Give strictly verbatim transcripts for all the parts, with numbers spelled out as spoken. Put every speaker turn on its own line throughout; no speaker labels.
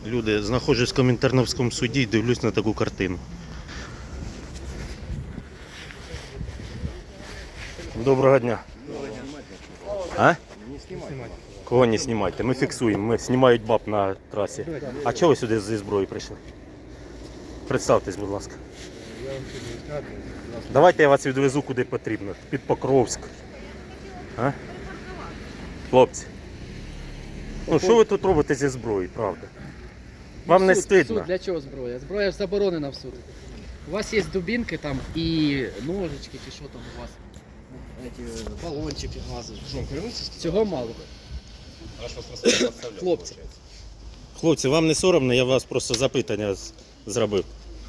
Люди, знаходжусь в Комінтерновському суді і дивлюсь на таку картину. Доброго дня. А? Кого не знімайте? Ми фіксуємо, ми знімають баб на трасі. А чого ви сюди зі зброєю прийшли? Представтесь, будь ласка. Давайте я вас відвезу куди потрібно, під Покровськ. А? Хлопці. Ну що ви тут робите зі зброєю, правда? Вам не
суд,
стидно?
Суд для чого зброя? Зброя ж заборонена в суд. У вас є дубинки там і ножички, чи що там у вас? Эти, балончики газу. Цього мало. Хлопці.
Хлопці, вам не соромно, я вас просто запитання з- зробив.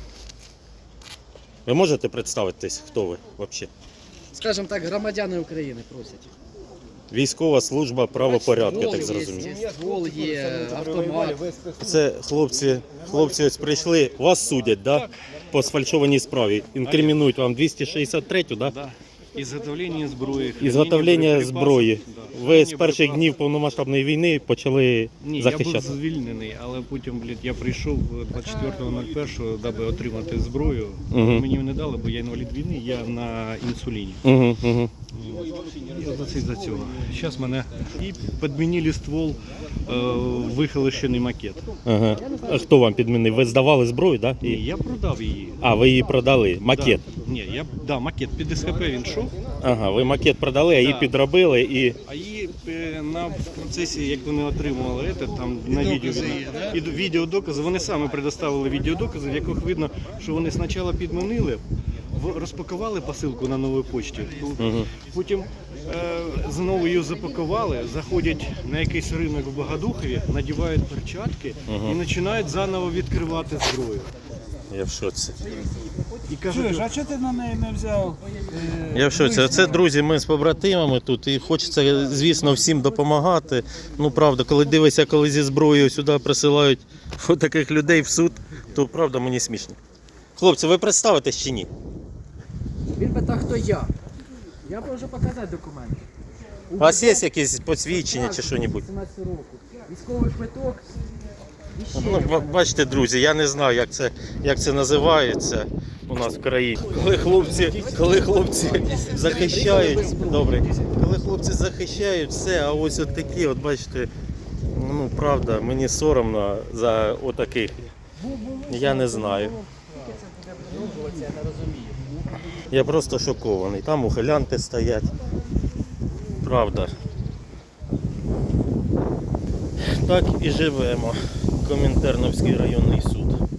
Ви можете представитись, хто ви взагалі?
Скажімо так, громадяни України просять.
Військова служба правопорядку, я так
Ствол є,
зрозумів.
ствол є, автомат.
Це хлопці, хлопці ось прийшли, вас судять, да? По сфальшованій справі. Інкримінують вам двісті шістдесят третю, да?
Да. Ізготовлення зброї.
Ізготовлення
хранення
зброї.
боєприпасів, да.
Ви з
Хранення
перших
боєприпасів.
днів повномасштабної війни почали
Ні, я був
захищати.
звільнений, але потім, блядь, я прийшов двадцять четвертого першого, даби отримати зброю.
Мгм.
Мені не дали, бо я інвалід війни, я на інсуліні.
Угу, угу.
Я за це за цього. Зараз мене і підмінили ствол, е, вихолощений макет.
Ага. А хто вам підмінив? Ви здавали зброю, да?
Ні,
І...
я продав її.
А, ви її продали, макет.
Да. Ні, я да, макет під СХП він йшов.
Ага, ви макет продали, а її
Да.
підробили і...
А її е, на в процесі, як вони отримували це, там на відео і відеодокази, вони самі предоставили відеодокази, в яких видно, що вони спочатку підмінили, в- розпакували посилку на новій почті,
Угу.
потім е, знову її запакували, заходять на якийсь ринок в Богодухові, надівають перчатки
Мгм.
і починають заново відкривати зброю.
Я в шоці.
І кажуть,
Чуєш, а чого ти на неї не взяв? е,
Я в шоці.
вишню?
Це, друзі, ми з побратимами тут і хочеться, звісно, всім допомагати. Ну, правда, коли дивишся, коли зі зброєю сюди присилають таких людей в суд, то правда мені смішно. Хлопці, ви представитесь чи ні?
Він питав, хто я. Я можу показати документи.
У вас є якісь посвідчення чи що-небудь?
сімнадцять року. Військовий квиток. І ще.
Ну, ба- бачите, друзі, я не знаю, як це, як це називається у нас в країні. Коли хлопці, коли хлопці захищають, добре, коли хлопці захищають все, а ось от такі, от бачите, ну правда, мені соромно за отаких. Я не знаю.
Я не розумію.
Я просто шокований. Там ухилянти стоять. Правда. Так і живемо. Комінтерновський районний суд.